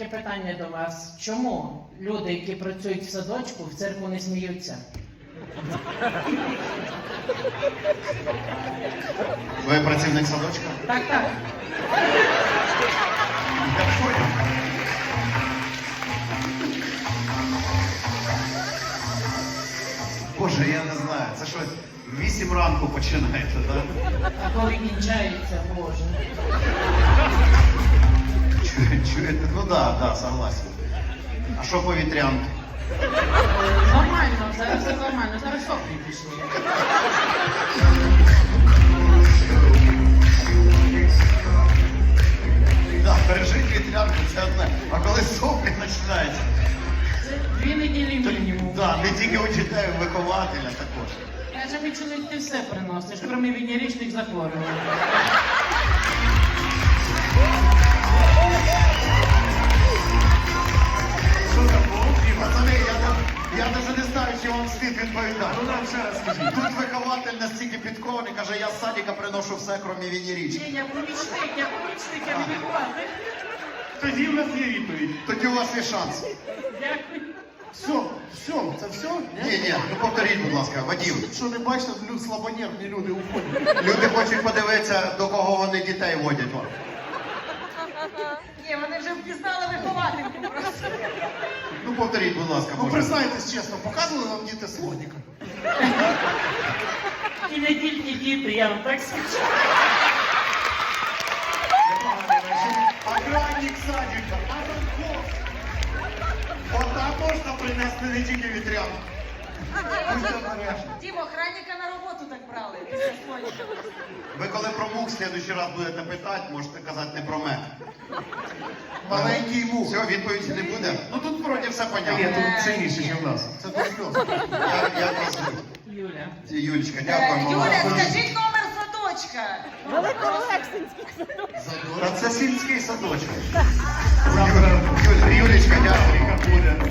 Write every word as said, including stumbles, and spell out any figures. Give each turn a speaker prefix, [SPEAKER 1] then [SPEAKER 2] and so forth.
[SPEAKER 1] таке питання до вас. Чому люди, які працюють в садочку, в цирку не сміються?
[SPEAKER 2] Ви працівник садочка?
[SPEAKER 1] Так, так.
[SPEAKER 2] Я понял. Боже, я не знаю, це що, в вісім ранку починаєте, так?
[SPEAKER 1] А коли кінчається, Боже.
[SPEAKER 2] Чу- Чуєте? Ну да, да, согласен. А що по вітрянки?
[SPEAKER 1] Е, Нормально, зараз все нормально, зараз соплі пішли.
[SPEAKER 2] Да, пережити вітрянку це одне. А коли соплі починаються,
[SPEAKER 1] Це дві неділі мінімум.
[SPEAKER 2] да, не тільки у дітей, у вихователя також.
[SPEAKER 1] Каже, мій чоловік, ти все приносиш, крім венеричних захворювань.
[SPEAKER 2] Що там було? Пацани, я, не- я навіть не знаю, чи вам слід відповідати. Ну нам ще раз скажіть. Тут вихователь настільки підкований, каже, я з садика приношу все, крім венерички.
[SPEAKER 1] Ні, я помічник, я помічник, я не вихователь.
[SPEAKER 3] Тоді в нас є відповідь.
[SPEAKER 2] Тоді у вас є шанс.
[SPEAKER 1] Дякую.
[SPEAKER 3] Все, все, це все?
[SPEAKER 2] Ні, ні, ну повторіть, будь ласка, Вадим.
[SPEAKER 3] Що не бачите, лю- слабонервні люди уходять.
[SPEAKER 2] Люди хочуть подивитися, до кого вони дітей водять. Вон.
[SPEAKER 4] Ні, вони вже впізнали виховательку просто.
[SPEAKER 2] Ну повторіть, будь ласка,
[SPEAKER 3] Ну
[SPEAKER 2] може.
[SPEAKER 3] признайтесь чесно, показували вам діти слоніка?
[SPEAKER 1] І не тільки діти, я вам так скажу.
[SPEAKER 3] Охранник садика, Азанков. Отак можна принести не тільки вітрянку. Будьте обережні.
[SPEAKER 4] Дім, охранника на роботу так брали після слоніка.
[SPEAKER 2] Ви коли про мух в следующий раз будете питати, можете казати не про мене.
[SPEAKER 3] Маленький мух.
[SPEAKER 2] Все, відповіді не буде. Ну тут вроді все понятно.
[SPEAKER 3] Ні, тут цінніше, ніж у нас. Це тут сльози.
[SPEAKER 2] Я, я вас звуть.
[SPEAKER 1] Юля.
[SPEAKER 2] Юлічка,
[SPEAKER 4] Е,
[SPEAKER 2] дякуємо вам.
[SPEAKER 4] Юля, скажіть номер садочка.
[SPEAKER 2] Та це сільський садочок.
[SPEAKER 3] Завтра
[SPEAKER 2] Юль, Юлічка, дякую.
[SPEAKER 3] буде.